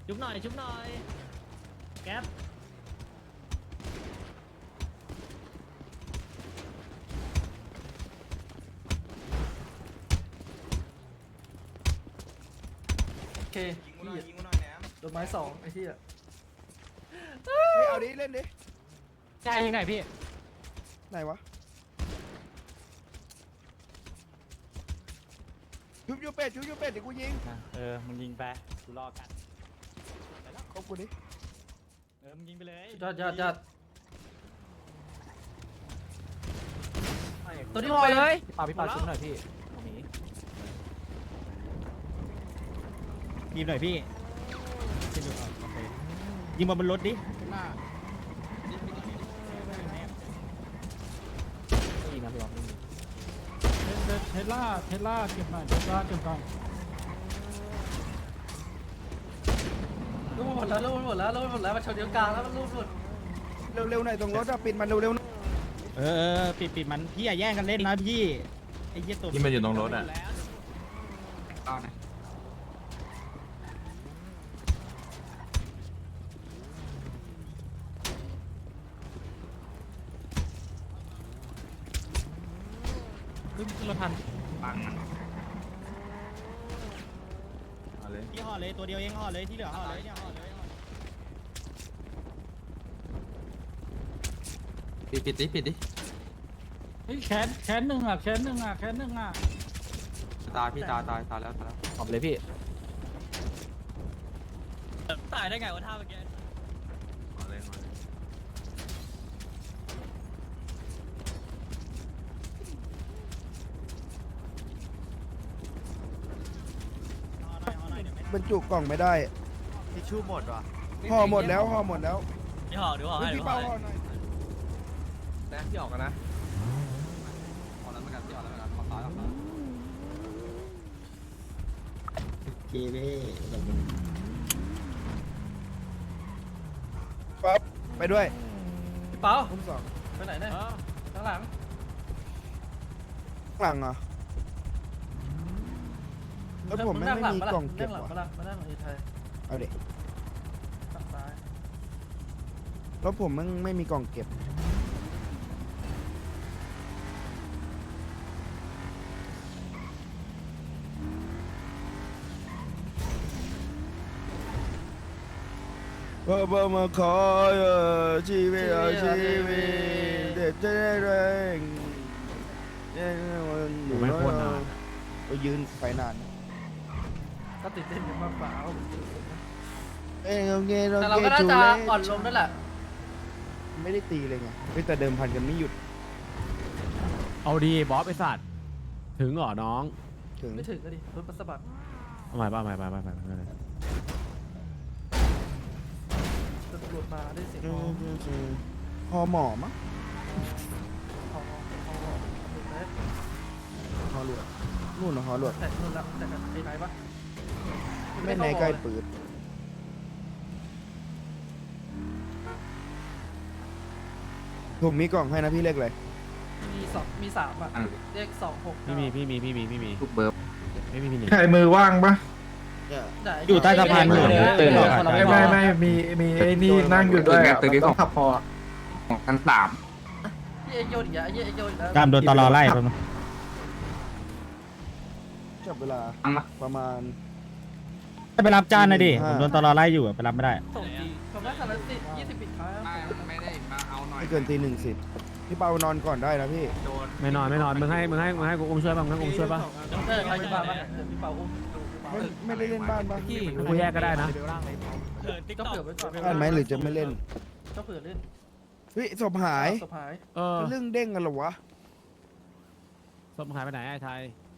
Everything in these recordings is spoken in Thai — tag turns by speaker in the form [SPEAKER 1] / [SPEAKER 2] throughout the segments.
[SPEAKER 1] ชุบหน่อยชุบหน่อยแก๊ป
[SPEAKER 2] โอเค
[SPEAKER 3] ยิงกูหน่อยแหนม
[SPEAKER 2] โดนไม้สองไอ้ที่อะ
[SPEAKER 3] เฮ้ยเอาดิเล่นดิ
[SPEAKER 1] ใช่ยังไงพี่
[SPEAKER 3] ไหนวะชุบยูเป็ดเดี๋ยวกูยิง
[SPEAKER 1] มึงยิงไปกูรอกัน
[SPEAKER 3] ครบกูดิ
[SPEAKER 1] มึงยิงไปเลย
[SPEAKER 2] ยอดตัวนี้พอเลย
[SPEAKER 1] พี่ปาชุบหน่อยพี่ยิงหน่อยพี่ยิงมาบนรถดิยิงนะพี่บอล
[SPEAKER 4] เทสลาเก็บหน่อยเทสลาเก็บก่อน
[SPEAKER 2] ลูกหมดแล้วมันชนเดียวกลางแล้วมันลูกหมด
[SPEAKER 3] เร็วๆหน่อยตรงรถอะปิดมันเร็วๆหน่อย
[SPEAKER 1] ปิดมันพี่อย่าแย่งกันเล่นนะพี่ไอ้เหี้ยตัว
[SPEAKER 5] ที่มันอยู่ตรงรถอ่ะ
[SPEAKER 1] ขึ้นรถทัน
[SPEAKER 5] เอาเลย
[SPEAKER 1] พี่ห่อเลยตัวเดียวเองห่อเลยที่เหลือห่อเลยเนี่ยห่อเลย
[SPEAKER 5] ปิดดิ
[SPEAKER 4] เฮ้ยแขนหนึ่งอ่ะ
[SPEAKER 5] ตายพี่ตายแล้ว
[SPEAKER 1] หอมเลยพี่ตายได้ไงวะท่าเมื่อกี้
[SPEAKER 5] เอาเลย
[SPEAKER 3] บรรจุกล่องไม่ได้
[SPEAKER 5] ทิชชู่หมดว่ะ
[SPEAKER 3] ห่อหมดแล้ว
[SPEAKER 1] พี่ห่อดูห่อให้
[SPEAKER 3] พี่เป้าห่อหน่อย
[SPEAKER 5] นะพี่ออกกันนะออกแล้วเหมือนกันพี่ออกแล้วเหมือนกันขอซ้ายออกแล้ว
[SPEAKER 3] ปั๊บไปด้วย
[SPEAKER 2] พี่เปา
[SPEAKER 3] คุ้มสอง
[SPEAKER 2] ไปไหนเนี่ยข้างหลัง
[SPEAKER 3] ข้างหลังเหรอแล้วผมไม่มีกล่องเก็บ
[SPEAKER 2] หลัง
[SPEAKER 3] ว่ะ
[SPEAKER 2] มานั่งไอ้ไทย
[SPEAKER 3] เอาเด็ก
[SPEAKER 2] ฝั่งซ้าย
[SPEAKER 3] แล้วผมไม่มีกล่องเก็บบ่มาขอชีวิตเด็ดจะได้แรงอยู่ไม่พ้นนานก็ยืนไฟนาน
[SPEAKER 2] ก็ติดเต้นกันมากกว่าเอา
[SPEAKER 3] เอ้ยโอเค
[SPEAKER 2] แต่เราก็น่าจะอ่อนลงนั่นแหละ
[SPEAKER 3] ไม่ได้ตีเลยไงแต่เดิมพันกันไม่หยุด
[SPEAKER 6] เอาดีบอสไอสัตว์ถึงเหรอน้อง
[SPEAKER 3] ถึง
[SPEAKER 2] ไม่ถึงก็ดิรถปัสสบัด
[SPEAKER 6] เอาใหม่ไป
[SPEAKER 2] ตำรวจมาได้เสียงฮอ
[SPEAKER 3] พอหมอมั้ง
[SPEAKER 2] ฮอแต่
[SPEAKER 3] ฮอหลวดนู่นเหรอฮอหลวด
[SPEAKER 2] นู่นละแต่กันไอ้ไหนปะ
[SPEAKER 3] ไม่ในใกล้ปืนผมมีกล่องให้นะพี่เล็กเลย
[SPEAKER 2] มีสามอ่ะเลข26
[SPEAKER 6] พี่มี
[SPEAKER 5] ทุกเบิร์บ
[SPEAKER 6] ไม่มีนี่
[SPEAKER 4] ใครมือว่างปะ
[SPEAKER 1] อยู่ใต้สะพานอยู่ตื่น
[SPEAKER 4] ไม่มีไอ้นี่นั่งอยู่ด้วยอะต้องขับพอ
[SPEAKER 5] ของชั้น3
[SPEAKER 2] เอ็กโยนอีกอ่ะเอ็กโยนอีกแล้ว
[SPEAKER 1] ตามโดนตลอไล่ไป
[SPEAKER 3] จับเวลาประมาณ
[SPEAKER 1] ไปรับจานนะดิผมโดนตลอไล่อยู่ไปรับไม่ได้
[SPEAKER 2] ส่งจีผมได้คันละ20ปิดท้าย
[SPEAKER 5] ไม่ได้มาเอาหน่อย
[SPEAKER 3] ไม่เกินตี 1:10พี่เปานอนก่อนได้นะพี่
[SPEAKER 5] โดน
[SPEAKER 6] ไม่นอนมึงให้กูอุ้มช่วยป่ะมึงให้กูอุ้มช่วยป่ะ
[SPEAKER 2] ใช่ใครจะมาบ้างพี่เปาอุ้ม
[SPEAKER 3] ไม่ได้เล่นบ้านบ้าง
[SPEAKER 6] กูแยกก็ได้นะ
[SPEAKER 2] ก็เผื่อไว้ก่อน
[SPEAKER 3] บ้านไหมหรือจะไม่เล่น
[SPEAKER 2] ก็เผื่อเล่น
[SPEAKER 3] เฮ้ยศพหาย
[SPEAKER 2] สุดท้าย
[SPEAKER 6] เออ
[SPEAKER 3] เรื่องเด้งกันเหรอวะ
[SPEAKER 6] ศพหายไปไหนไอ้ไทย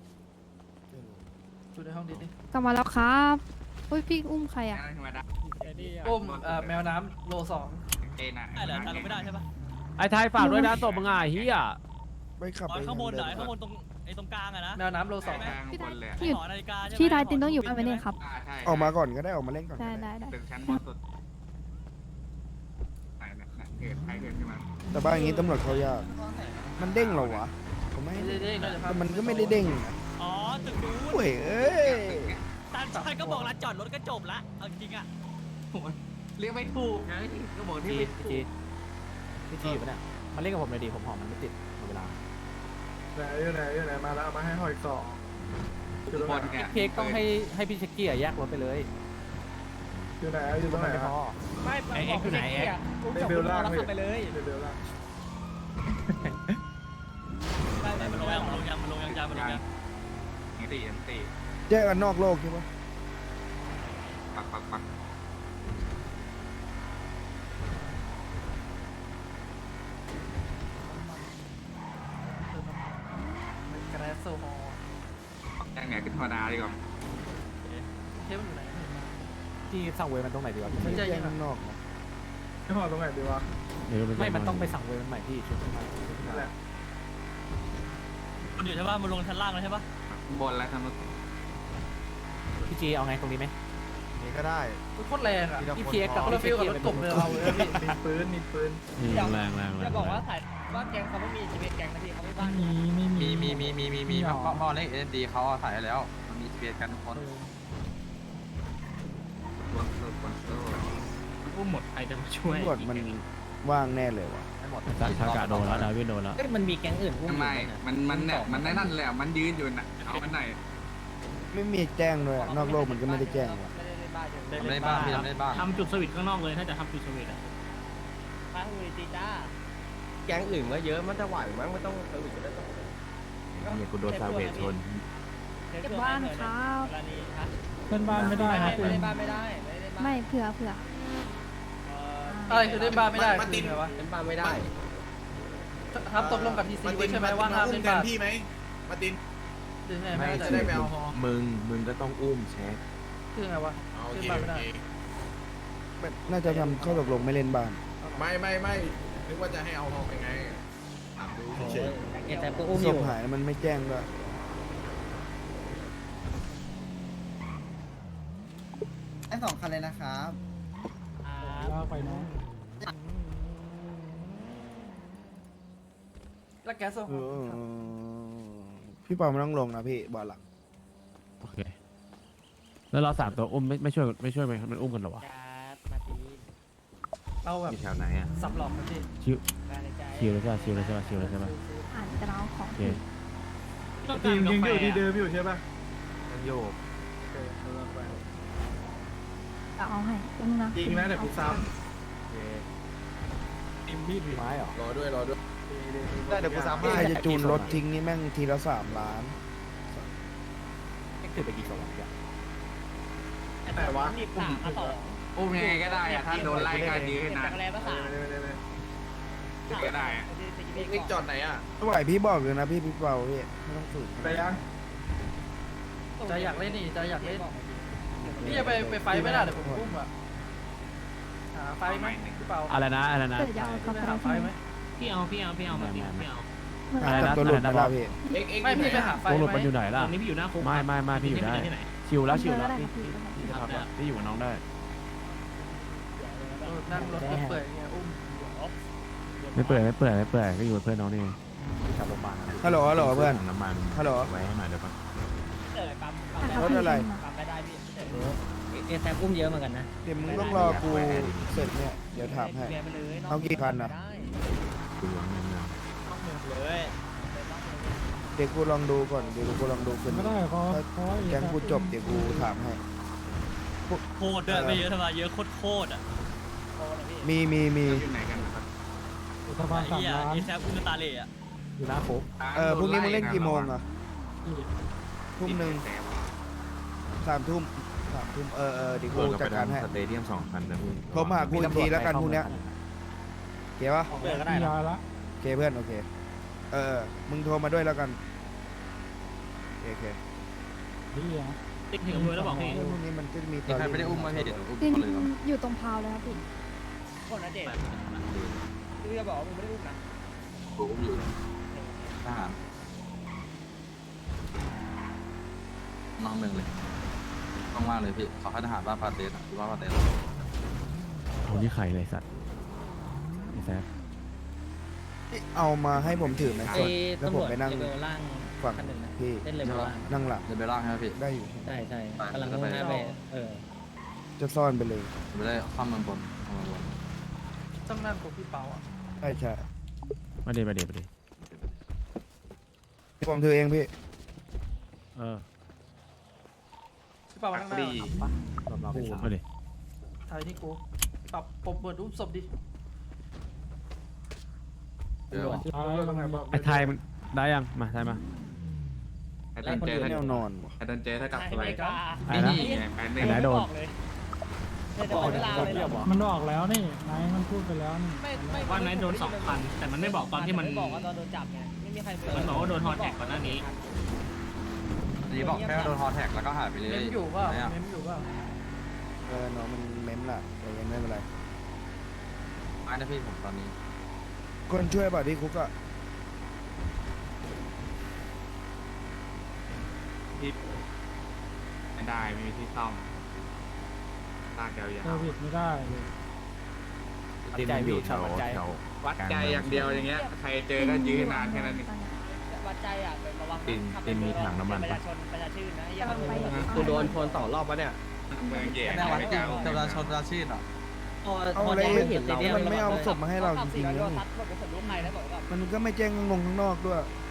[SPEAKER 2] อยู่ในห้องดิสนี่
[SPEAKER 7] กลับมาแล้วครับอุ้ยพี่อุ้มใครอ่ะ
[SPEAKER 2] อุ้มแมวน้ำโล2
[SPEAKER 5] เอ็นอ่ะ
[SPEAKER 1] ได้เหรอทำไม่ได้ใช่ปะ
[SPEAKER 6] ไอ้ไทยฝากด้วยนะศพมึงอ่ะเฮีย
[SPEAKER 3] ไปขับไป
[SPEAKER 1] ข้างบนเหรอข้างบนตรงไอ้ตรงกลางอะนะ
[SPEAKER 2] แมวน้ำโล2
[SPEAKER 7] พี่
[SPEAKER 5] คนเลย
[SPEAKER 7] พี่หยุด
[SPEAKER 1] หอนาฬิกาใช่ไหม
[SPEAKER 7] พี่ไทยตินต้องอยู่บ้านไหมเนี่ยครับ
[SPEAKER 5] ใช่
[SPEAKER 3] ออกมาก่อนก็ได้ออกมาเล่นก่อนก็
[SPEAKER 7] ได้
[SPEAKER 3] ได้
[SPEAKER 7] ได้
[SPEAKER 5] ตึกชั้นบนสุดไหนเกิดใครเกิดขึ้นมา
[SPEAKER 3] แต่บ้านอย่างนี้ตำรวจเขายากมันเด้งเหรอวะผมไม่ให้
[SPEAKER 2] เด้งๆ
[SPEAKER 3] แต่มันก็ไม่ได้เด้งนะ
[SPEAKER 1] อ๋อตึกนู้น
[SPEAKER 3] โอ้ยเอ้ย
[SPEAKER 1] ตาชายก็บอกร้านจอดรถก็จบละเอาจริงอะ
[SPEAKER 5] เรียกไม่ถูกไงก็บอกที่
[SPEAKER 6] จี
[SPEAKER 5] ไม่ถูก
[SPEAKER 6] จีพี่จีอยู่ปะเนี่ยมันเล่นกับผมเลยดิผมหอมมันไม่ติดหมดเวลา
[SPEAKER 3] ไหนมาแล้วเอามาให้หอยสอง
[SPEAKER 5] บอลไง
[SPEAKER 6] พี่เค้กต้องให้พี่เช็กกี้แยกรถไปเลย
[SPEAKER 3] อยู่ไหนอยู่ตรงไหน
[SPEAKER 6] ไม่พอ
[SPEAKER 1] ไม่ไอเอ็กซ์อยู่ไหนเอ็กซ์
[SPEAKER 3] ในเบลล่าง
[SPEAKER 1] ขับไปเลย
[SPEAKER 3] ในเบลล่าง
[SPEAKER 1] มันลงยัง
[SPEAKER 5] ตี
[SPEAKER 3] แยกกันนอกโลกใช่ปะ
[SPEAKER 5] ปัก
[SPEAKER 2] แกรสโซฮอล
[SPEAKER 5] ยังไงขึ้นธรรมดาดีกว่า
[SPEAKER 2] เทปมันอยู่ไหน
[SPEAKER 6] ที่สั่งเวย์มันตรงไหนดีวะพี่
[SPEAKER 2] ไม่ใช่
[SPEAKER 3] แยกกันนอกไม่พอตรงไหนดีวะ
[SPEAKER 6] ไม่มันต้องไปสั่งเวย์มันใหม่พี่ชุดใหม่
[SPEAKER 3] นั่นแหละ
[SPEAKER 1] มันอยู่ใช่ป่ะมันลงชั้นล่างแล้วใช่ป่ะ
[SPEAKER 5] บอลแล้วทำ
[SPEAKER 6] พี่จีเอาไงตรงนี้ไหม
[SPEAKER 3] นี่ก็ได้
[SPEAKER 2] โคตรแรงอ่ะ
[SPEAKER 6] พี่เค้กกับ
[SPEAKER 2] คนละฟิลกับรถกบเลยเราเลยพี่
[SPEAKER 3] มีปืน
[SPEAKER 6] แรง
[SPEAKER 1] จะบอกว่าถ่ายว่าแกงเขาไม่มีชีวิตแกงนะพี่เขาไม่บ้าน
[SPEAKER 5] มีพ่อเล็กเอ็นดีเขาถ่ายแล้วมันมีเบียดกันทุกคน
[SPEAKER 1] อุ้มหมดใครจะมาช่วย
[SPEAKER 3] ตำรวจมันว่างแน่เลยวะ
[SPEAKER 5] ไม่หมด
[SPEAKER 6] ทากาโดนแล้วดาวินโดนแล้ว
[SPEAKER 1] มันมีแกงอื่นอุ้ม
[SPEAKER 5] ไม่มันเนี่ยมันนั่นแหละมันยืนอยู่น่ะเอามันไหน
[SPEAKER 3] ไม่มีแจ้งด้วยอะนอกโลกมันก็ไม่ได้แจ้งว่ะ
[SPEAKER 5] ทำได้บ้างพี่ทำได้บ้าง
[SPEAKER 1] ทำจุดสวิตช์ข้างนอกเลยถ้าจะทำจุดสวิตช์อ่ะข้างมือจีจ้า
[SPEAKER 5] แก๊งอื่นก็เยอะมันจะไหวมั้งไม่ต้องเซอร์วิสก็ได้
[SPEAKER 6] เนี่ยกูโดนซาเวทชน
[SPEAKER 7] เก็บบ้านครับ
[SPEAKER 4] เล่นบ้านไม่ได้ครับคุณ
[SPEAKER 1] ไม่ได้บ้านไม่ได้
[SPEAKER 7] ไม่เผื่อ
[SPEAKER 2] อะไรคือเล่นบ้านไม่ได้คือไงวะ
[SPEAKER 5] เล่นบ้านไม่ได้
[SPEAKER 2] ทับตกลงกับทีซีไว้ใช่ไหมว่าห้ามเล่นบ้าน
[SPEAKER 8] พี่ไหมมาติน
[SPEAKER 2] คือไงไม่
[SPEAKER 8] จะ
[SPEAKER 2] ได้
[SPEAKER 8] ได้ไปเอา
[SPEAKER 6] มึงก็ต้องอุ้มเช็ค
[SPEAKER 2] คือไงวะ
[SPEAKER 8] โอ
[SPEAKER 2] เล่น
[SPEAKER 8] เค
[SPEAKER 2] บ้านไม่ได้
[SPEAKER 3] น่าจะทำข้อตกลงไม่เล่นบ้าน
[SPEAKER 8] ไม่นึกว่าจะให้เอาทองยังไงถามดูเฉย
[SPEAKER 1] เอ็นแต่ก็อุ้มอ
[SPEAKER 3] ศพ
[SPEAKER 1] ยู่
[SPEAKER 3] หายมันไม่แจ้งด้วย
[SPEAKER 9] ไอ้2 คันเลยนะครับ
[SPEAKER 4] ลากไปน้อง
[SPEAKER 2] แล้วแกสโซฮ
[SPEAKER 3] เอ
[SPEAKER 2] อล
[SPEAKER 3] อพี่เปาไม่ต้องลงนะพี่บอลหลัง
[SPEAKER 6] โอเคแล้วเรา3ตัวอุ้มไม่ช่วยไหมมันอุ้มกันหรอวะ
[SPEAKER 1] มาตี
[SPEAKER 2] เราแบบ
[SPEAKER 6] มีแถวไหนอ่ะ
[SPEAKER 2] สับหลอกกันพี่
[SPEAKER 6] ชิวแล้วใช่ป่ะชิวแล้วใช่ป่ะ
[SPEAKER 7] ๆอ่านกระเอาของ
[SPEAKER 6] โอเค
[SPEAKER 3] ทีมยังอยู่ที่เดิมอยู่ใช่ปะ
[SPEAKER 6] ยังโยก
[SPEAKER 7] จะเอาให้ตรงนะ
[SPEAKER 3] จริงนะเดี๋ยวกูซ้
[SPEAKER 6] ทีมมีดมีไม้เหรอ
[SPEAKER 8] รอด้วย
[SPEAKER 3] ำได้เดี๋ยวกูซ้ำใครจะจูนรถทิ้งนี่แม่งทีละ3 ล้าน
[SPEAKER 6] ถือไปกี่ศพอ่ะ
[SPEAKER 1] แต่ว่ามีสามมาต่อ
[SPEAKER 5] อุ้มยังไงก็ได้อะถ้าโดนไล่ก็ยืนนะ
[SPEAKER 1] จากแรกก็สาม
[SPEAKER 5] ก็ได้อะ
[SPEAKER 8] นิกจอดไหนอ่ะ
[SPEAKER 3] ไม่ไหวพี่บอกเลยนะพี่เปาพี่ไม่ต้องฝืนไปยัง
[SPEAKER 2] ใจอยากเล่นนี่ใจอยากเล่นพี่จะไปไฟไม่ได้เดี๋ยวผมอุ้มอ่ะหาไฟไหมพี่เปา
[SPEAKER 6] อะไรนะ
[SPEAKER 7] เผื่อจะเอากระ
[SPEAKER 2] ไป
[SPEAKER 7] เป๋า
[SPEAKER 2] หาไฟ
[SPEAKER 7] ใช่
[SPEAKER 2] ไห
[SPEAKER 7] ไห
[SPEAKER 2] ม
[SPEAKER 7] ม
[SPEAKER 1] พี่เอา
[SPEAKER 3] หาจับตัวหลุดนะครับพี่
[SPEAKER 2] ไม่พี่ไปหาไฟ
[SPEAKER 6] โอ้ห
[SPEAKER 2] ไห
[SPEAKER 6] ลุดมันอยู่
[SPEAKER 2] ม
[SPEAKER 6] ไหนล่ะ
[SPEAKER 1] ตอนนี้พี่อยู่หน้าคุก
[SPEAKER 6] ไม่พี่อยู่ได้ชิวแล้ว
[SPEAKER 7] ก็ได้
[SPEAKER 6] พี่
[SPEAKER 7] ครับพี่
[SPEAKER 6] พี่อยู่กับน้องได้
[SPEAKER 2] นั่งรถเปื่อยๆเนี่ยอุ้ม
[SPEAKER 6] ไม่เปื่อยก็อยู่กับเพื่อนน้องนี่กลับโรงพยาบาล
[SPEAKER 3] ฮัลโหลเพื่อน
[SPEAKER 6] น้ำมัน
[SPEAKER 3] ฮัลโหล
[SPEAKER 6] ไว้ให้หน่อยเดี๋ยวก่อน
[SPEAKER 1] ปั๊ม
[SPEAKER 3] รถอะไร
[SPEAKER 1] ปั๊มไม่ได้พี่เอ็นแต่อุ้มเยอะเหมือนกันนะ
[SPEAKER 3] เดี๋ยวมึงต้องรอกูเสร็จเนี่ยเดี๋ยวถามให้ เอากี่คันน่ะ
[SPEAKER 6] ดูอย่างนั้นนะ
[SPEAKER 1] เลย
[SPEAKER 3] เดี๋ยวกูลองดูก่อนเดี๋ยวกูลองดูขึ้น
[SPEAKER 4] ไม่ได้เพราะ
[SPEAKER 3] แกงกูจบเดี๋ยวกูถามให้
[SPEAKER 1] โคตรเดินไปเยอะทำไมเยอะโคตรอ่ะ
[SPEAKER 3] มี
[SPEAKER 5] อยู่ไหนกันนะครับ
[SPEAKER 4] สะพาน3 ล้าน
[SPEAKER 1] เอ็นแต่อุ้มตาเล่อะ
[SPEAKER 6] อยู่หน้าคุก
[SPEAKER 3] พรุ่งนี้มึงเล่นกี่โมงอ่ะทุ่มหนึ่ง3 ทุ่มเดี๋ยวกูจัดการให้
[SPEAKER 6] สเตเดียม2,000นะพี่
[SPEAKER 3] โทรมาหากูอีกทีแล้วกันพรุ่งเนี้ยเก๋ปะ
[SPEAKER 1] เปิดก็ได้
[SPEAKER 4] มี
[SPEAKER 1] หรอ
[SPEAKER 4] ยาละ
[SPEAKER 3] โอเคเพื่อนโอเคมึงโทรมาด้วยแล้วกันโอเค
[SPEAKER 4] พี่อ่ะ
[SPEAKER 1] ติ๊กถึงมือแล้วบอกพี่
[SPEAKER 3] พรุ่งนี้มันจะมีต
[SPEAKER 5] มี
[SPEAKER 3] อน
[SPEAKER 5] ใครไม่ได้อุ้มมาพี่เดี๋ยวอุ้ม
[SPEAKER 7] จริง
[SPEAKER 5] เขาเลยก่อน
[SPEAKER 7] อยู่ตรงพาวเลยครับพี่
[SPEAKER 1] คนนะเด็กพี่จะบอกว่ามึงไม่ได้อุ้มนะ
[SPEAKER 5] กูอุ้มอยู่ทหารน้องหนึ่งเลยต้องว่าเลยพี่เขาให้ทหารว่าปาเตสหรือว่าปาเตส
[SPEAKER 6] คนที่ใครเลยสัตว์ไอ้แซ่บ
[SPEAKER 3] เอามาให้ผมถือไหม
[SPEAKER 1] ไอ้
[SPEAKER 3] แล้ว
[SPEAKER 1] ตำ
[SPEAKER 3] ผ
[SPEAKER 1] ร
[SPEAKER 3] ม
[SPEAKER 1] วจ
[SPEAKER 3] ไปนั่ง
[SPEAKER 1] เลเวลล่าง
[SPEAKER 3] ฝั่ง
[SPEAKER 1] คันหนึ่งนะ
[SPEAKER 3] พี่
[SPEAKER 1] เล่นเลเวลล่าง
[SPEAKER 3] นั่งหลัง
[SPEAKER 5] เดี๋ยวไปล่างใช่ไหมพี่
[SPEAKER 3] ได้อยู่
[SPEAKER 1] ใช่กำลังมุ่งหน้าไป
[SPEAKER 3] จะซ่อนไปเลย
[SPEAKER 5] ไม่ได้ข้ามเมืองบนข้ามเมืองบน
[SPEAKER 2] ต้องนั่งกับพี่เปาอ่ะ
[SPEAKER 3] ใช่ใช่
[SPEAKER 6] มาดิมาดิมาดิ
[SPEAKER 3] ผมถือเองพี่
[SPEAKER 6] เออ
[SPEAKER 2] พี่เปานั่งหน้า
[SPEAKER 6] มาดิ
[SPEAKER 2] ถ่ายที่กูปรับเปิดรูปศพดิ
[SPEAKER 5] เดี๋ยว
[SPEAKER 4] ท้ายว่าไงบอก
[SPEAKER 6] ไอ้ไทยมันได้ยังมาไทยมา
[SPEAKER 8] ไอ้ดันเจ
[SPEAKER 3] แนวนอนว่ะ
[SPEAKER 8] ไอ้ดันเจถ้ากลับไป
[SPEAKER 6] ไอ้นะ
[SPEAKER 8] นี่ไงแปน
[SPEAKER 6] ไอ้
[SPEAKER 8] นี่
[SPEAKER 6] ไหนโดน
[SPEAKER 4] มันออกแล้วนี่นายมันพูดไปแล้วนี่
[SPEAKER 1] วันนั้นโดน2,000แต่มันไม่บอกตอนที่มันบอกว่าตอนโดนจับไงไม่มีใครมันบอกว่าโดนฮอตแท็กก่อนหน้านี้
[SPEAKER 5] ดีบอกแค่โดนฮอแท็กแล้วก็หายไปเลย
[SPEAKER 2] เม้มอยู่เปล่า
[SPEAKER 5] ไหนอะ
[SPEAKER 2] เม้มอยู่เปล่า
[SPEAKER 3] น้องมันเม้มล่ะแต่ยังไม่เป็นไร
[SPEAKER 5] ไม่นะพี่ผมตอนนี้
[SPEAKER 3] คนช่วยป่ะที่คุกอ่ะ
[SPEAKER 8] ไม่ได้ไม่มีที่ซ่อมลากยาว
[SPEAKER 4] เซอร์วิสไม่ได้เลย
[SPEAKER 6] ที่มันอยู่แถว
[SPEAKER 8] ๆวัดใจอย่างเดียวอย่างเงี้ยใครเจอก็ยื้อนานแค่นั้นเอง
[SPEAKER 1] วัดใจอ่ะระวัง
[SPEAKER 6] ตินมีถังน้ำมัน
[SPEAKER 1] ประ
[SPEAKER 6] ปะ
[SPEAKER 1] ชาชนประชาชื่นนะ
[SPEAKER 7] กำลังไป
[SPEAKER 5] กูโดนชน2 รอบปะเนี่ย
[SPEAKER 8] เมืองแย่
[SPEAKER 5] แน่วัด
[SPEAKER 8] ไม่
[SPEAKER 5] จริ
[SPEAKER 8] ก
[SPEAKER 5] ง
[SPEAKER 8] ล้า
[SPEAKER 5] เจ้าชนราชีพอ่ะ
[SPEAKER 3] เอาอะไรนี่มันไม่เอาศพมาให้เราจริงๆนะ
[SPEAKER 1] รถเป็นศพลูกใครแล้วบอกว่า
[SPEAKER 3] มันก็ไม่แจ้งงงข้างนอกด้วย